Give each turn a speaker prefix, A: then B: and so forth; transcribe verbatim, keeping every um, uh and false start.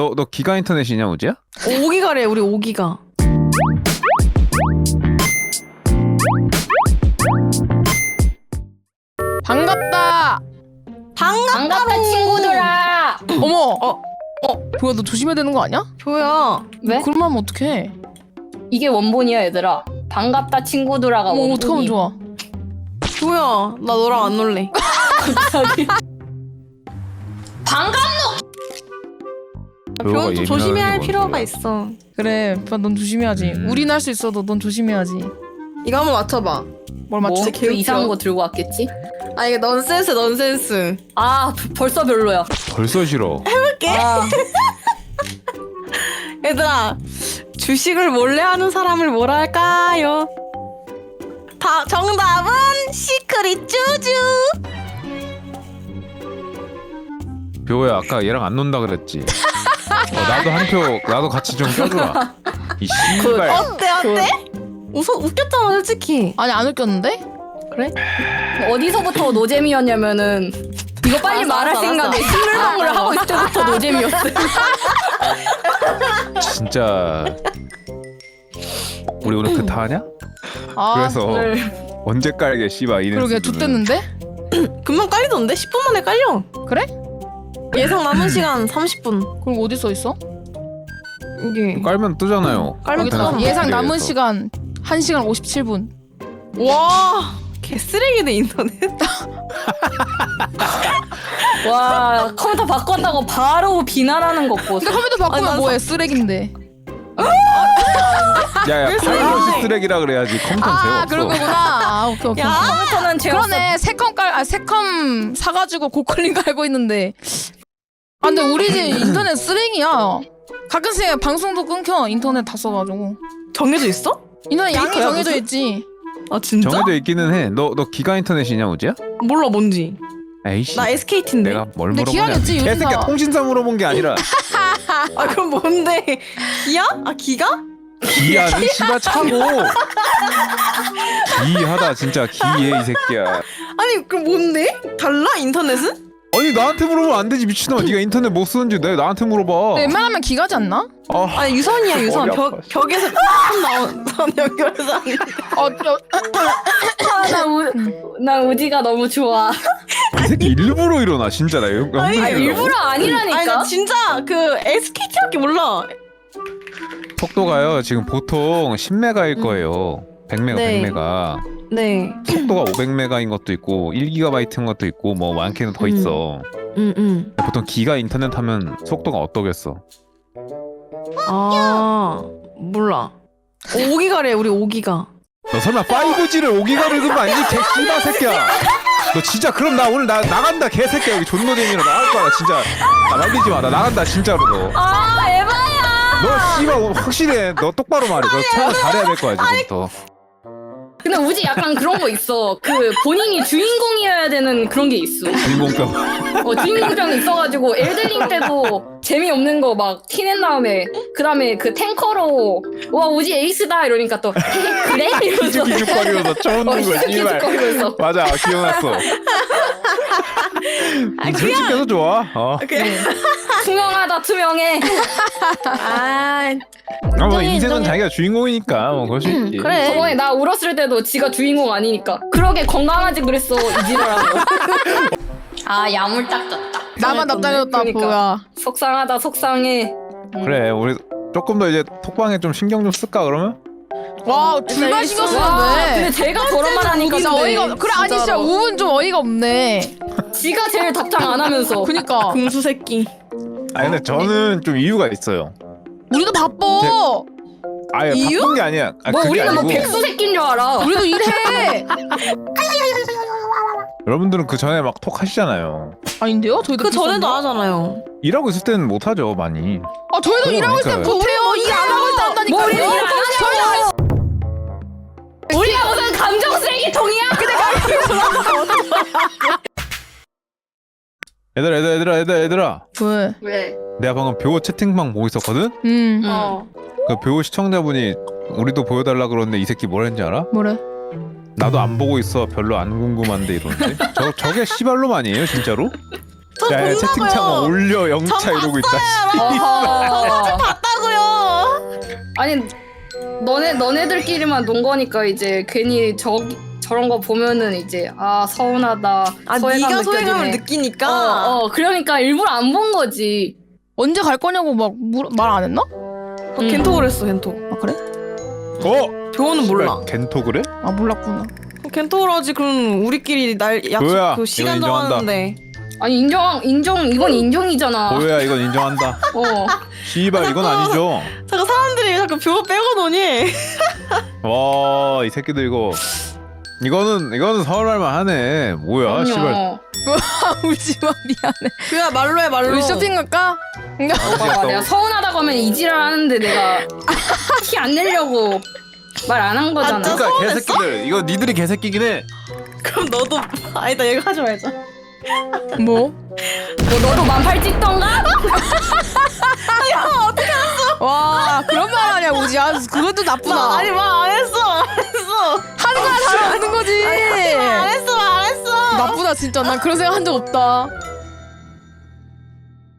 A: 너 너 기가 인터넷이냐 우지야?
B: 오 기가래 우리 오 기가.
C: 반갑다.
B: 반갑다.
D: 반갑다 친구들아.
C: 어머.
B: 어.
C: 어. 뭐야 너 조심해야 되는 거 아니야?
B: 조야.
D: 왜?
C: 그러면 하면 어떡해?
D: 이게 원본이야 얘들아. 반갑다 친구들아가
C: 어머 어떡하면
D: 원본이.
C: 좋아.
B: 조야. 나 너랑 안 놀래.
D: 반갑노.
A: 조효가
B: 좀 조심해야 할
A: 예민하게
B: 필요가
A: 뭔데.
B: 있어.
C: 그래. 오빠 넌 조심해야지.
A: 음.
C: 우린 할 수 있어도 넌 조심해야지.
B: 이거 한번 맞춰봐.
C: 뭘
D: 뭐?
C: 맞추?
B: 진짜
D: 그
B: 개웃겨.
D: 이상한 거 들고 왔겠지?
B: 아 이게 넌센스 넌센스.
D: 아 벌써 별로야.
A: 벌써 싫어.
D: 아,
B: 얘들아 주식을 몰래 하는 사람을 뭐라 할까요? 다 정답은 시크릿 쭈쭈.
A: 뷰호야 아까 얘랑 안 논다 그랬지. 어, 나도 한 표 나도 같이 좀 껴주라. 이 씨발.
B: 어때 어때? 웃어 웃겼잖아 솔직히.
C: 아니 안 웃겼는데?
B: 그래?
D: 어디서부터 노잼이었냐면은 이거 빨리
B: 알았어,
D: 말할
B: 알았어,
D: 생각에
B: 알았어.
D: 식물방울을 하고 있을 때부터 노잼이었어.
A: 진짜 우리 오늘 그타 하냐?
C: 아.
A: 그래서
D: 오늘
A: 언제 깔게 씨발 이네.
C: 그러게 좋댔는데?
B: 금방 깔리던데? 십 분 만에 깔려.
C: 그래?
B: 예상 남은 시간 삼십 분.
C: 그럼 어디 써 있어?
B: 여기.
A: 깔면 뜨잖아요.
B: 깔면
C: 여기
B: 뜨잖아.
C: 있다. 예상 남은 시간 한 시간 오십칠 분.
B: 와 개쓰레기네 인터넷.
D: 와 컴퓨터 바꿨다고 바로 비난하는 것 보소.
C: 근데 컴퓨터
B: 아니,
C: 바꾸면
B: 난
C: 뭐해? 쓰레기인데.
A: 야야 파이러시 쓰레기라 그래야지. 컴퓨터
C: 아
A: 재없어.
C: 그런 거구나. 아, 오케이 오케이.
B: 야
D: 컴퓨터는 제가
C: 그러네. 새컴 깔, 아 새컴 사가지고 고퀄링 깔고 있는데. 아 근데 우리 집 인터넷 쓰레기야. 가끔씩 방송도 끊겨. 인터넷 다 써가지고.
B: 정해져 있어?
C: 인터넷 양이
B: 페이커야,
C: 정해져
B: 무슨?
C: 있지.
B: 아 진짜?
A: 정해져 있기는 해. 너 너 기가 인터넷이냐 우지야?
B: 몰라 뭔지.
A: 에이씨.
B: 나 에스케이티인데.
A: 내가 뭘
C: 근데
A: 물어보냐?
C: 기왕이었지, 요즘
A: 개새끼야
C: 다.
A: 통신사 물어본 게 아니라
B: 아 그럼 뭔데? 기야? 아 기가?
A: 기아는 씨발 차고. 기하다 진짜 기해 이 새끼야.
B: 아니 그럼 뭔데? 달라 인터넷은?
A: 아니 나한테 물어보면 안 되지 미친놈아. 네가 인터넷 못 쓰는지 내 나한테 물어봐.
C: 웬만하면 기가지 않나?
A: 아,
B: 아니 유선이야 유선.
A: 머리
B: 벽
A: 아파.
B: 벽에서 선 나온 선 연결해서 하는 거.
C: 어, 저,
D: 아, 나, 우, 나 우지가 너무 좋아.
A: 이 새끼 일부러 일어나 진짜 나 이거
B: 아니,
D: 아, 일부러 아니라니까.
B: 아니 나 진짜 그 에스케이티밖에 몰라.
A: 속도가요 지금 보통 십 메가일 거예요. 백 메가,
B: 네.
A: 백 메가.
B: 네.
A: 속도가 오백 메가인 것도 있고 일 기가바이트인 것도 있고 뭐 많게는 더
B: 음.
A: 있어.
B: 응 응.
A: 보통 기가 인터넷 하면 속도가 어떠겠어?
B: 아 몰라. 오 기가래 우리 오 기가.
A: 너 설마 파이브지를 오 기가를 든 거 아니지? 개씨바 새끼야. 너 진짜 그럼 나 오늘 나 나간다 개새끼야. 여기 존노잼이라 나갈 거야 나 진짜. 나 말리지 마. 나 나간다 진짜로 너.
D: 아 에바야.
A: 너 씨발 오늘 확실해. 너 똑바로 말해. 너 차가 잘해야 될 거야 지금부터.
D: 근데 우지 약간 그런 거 있어. 그 본인이 주인공이어야 되는 그런 게 있어.
A: 주인공병.
D: 어, 주인공병 있어가지고 엘들링 때도 재미없는 거 막 티낸 다음에 그 다음에 그 탱커로 와 우지 에이스다 이러니까 또 그래? 이러면서
A: 기죽거리면서 쳐오는
D: 어,
A: 거야 씨발.
D: 기죽거리면서
A: 맞아 기억났어.
B: 아
A: 솔직해서 좋아. 어.
B: 그래.
D: 투명하다 투명해.
B: 아
A: 아, 뭐
B: 인정해,
A: 인생은
B: 인정해.
A: 자기가 주인공이니까 뭐 그럴 수 있지.
B: 그래.
D: 저번에 나 울었을 때도 지가 주인공 아니니까 그러게 건강하지 그랬어 이지라고. 아 야물딱졌다.
C: 나만 납작해졌다
D: 그러니까.
C: 뭐야.
D: 속상하다 속상해.
A: 그래 우리 조금 더 이제 톡방에 좀 신경 좀 쓸까 그러면?
C: 와 둘만 신경
D: 와 근데
C: 쓰는데.
D: 제가 저런 말 하니까
C: 진짜 어이가 없- 그래 아니 진짜
B: 진짜로.
C: 우은 좀 어이가 없네.
D: 지가 제일 답장 안 하면서.
C: 그니까
B: 금수 새끼.
A: 아니 근데 저는 좀 이유가 있어요.
C: 우리도 바빠.
A: 아예
B: 이유?
A: 바쁜 게 아니야. 아,
D: 뭐
A: 그게
D: 우리는 뭐
A: 아니고
D: 백수 새끼인 줄 알아.
C: 우리도 일해.
A: 여러분들은 그 전에 막 톡 하시잖아요.
C: 아닌데요? 저희도
B: 그 전에도
C: 비슷한데요?
B: 하잖아요.
A: 일하고 있을 때는 못 하죠 많이.
C: 아 저희도
A: 그래,
C: 일하고 있을 때
A: 그러니까요.
C: 못해요. 일 안 하고 있다 한다니까요.
D: 뭐 우리는 일안 하냐고. 우리가 무슨 감정 쓰레기통이야?
A: 얘들아 얘들아 얘들아 얘들아 얘들아.
C: 왜?
D: 왜?
A: 내가 방금 뷰호 채팅방 보고 있었거든?
C: 음.
D: 어.
A: 그 뷰호 시청자분이 우리도 보여달라 그러는데 이 새끼 뭐라 했는지 알아?
C: 뭐래?
A: 나도 안 보고 있어 별로 안 궁금한데 이러는데 저, 저게 씨발놈 아니에요 진짜로?
B: 저
A: 야, 야
B: 본다고요.
A: 채팅창 올려 영차
B: 저
A: 이러고 있다.
D: 어허. 아니 너네 너네들끼리만 논 거니까 이제 괜히 저 저런 거 보면은 이제 아 서운하다.
B: 아
D: 소외감
B: 네가 소외감을
D: 느껴지네.
B: 느끼니까.
D: 어, 어 그러니까 일부러 안 본 거지.
C: 언제 갈 거냐고 막 말 안 했나?
B: 어, 겐톡을 했어 겐톡.
C: 아 그래?
A: 어?
B: 교호는 몰라.
A: 겐토 그래?
C: 아 몰랐구나.
B: 겐톡을 하지. 그럼 우리끼리 날 약속
A: 교호야,
B: 그 시간
A: 이거 인정한다.
B: 정하는데.
D: 아니 인정 인정 이건 인정이잖아.
A: 보여야 이건 인정한다.
D: 어.
A: 씨발 이건 아니죠.
B: 잠깐 사람들이 자꾸 뷰 빼고 노니.
A: 와 이 새끼들 이거 이거는 이거는 서운할만 하네. 뭐야 씨발.
D: 그럼요.
C: 울지마 미안해.
B: 그야 말로 해 말로.
C: 우리 쇼핑 갈까?
D: 봐봐, 내가 서운하다고 하면 이지랄 하는데 내가 티 안 내려고 말 안 한 거잖아.
B: 아, 진짜?
A: 그러니까
B: 서운했어?
A: 개새끼들 이거 니들이 개새끼긴 해.
B: 그럼 너도 아니다 얘가 하지 말자.
C: 뭐?
D: 뭐 너도 만팔 찍던가?
C: 와 그런 말 하냐 우지. 아 그것도 나쁘다.
B: 나 아니 말 안 했어 안 했어.
C: 하는 거야 다른 없는 거지.
B: 말 안 했어 말 안 했어.
C: 나쁘다 진짜. 난 그런 생각 한 적 없다.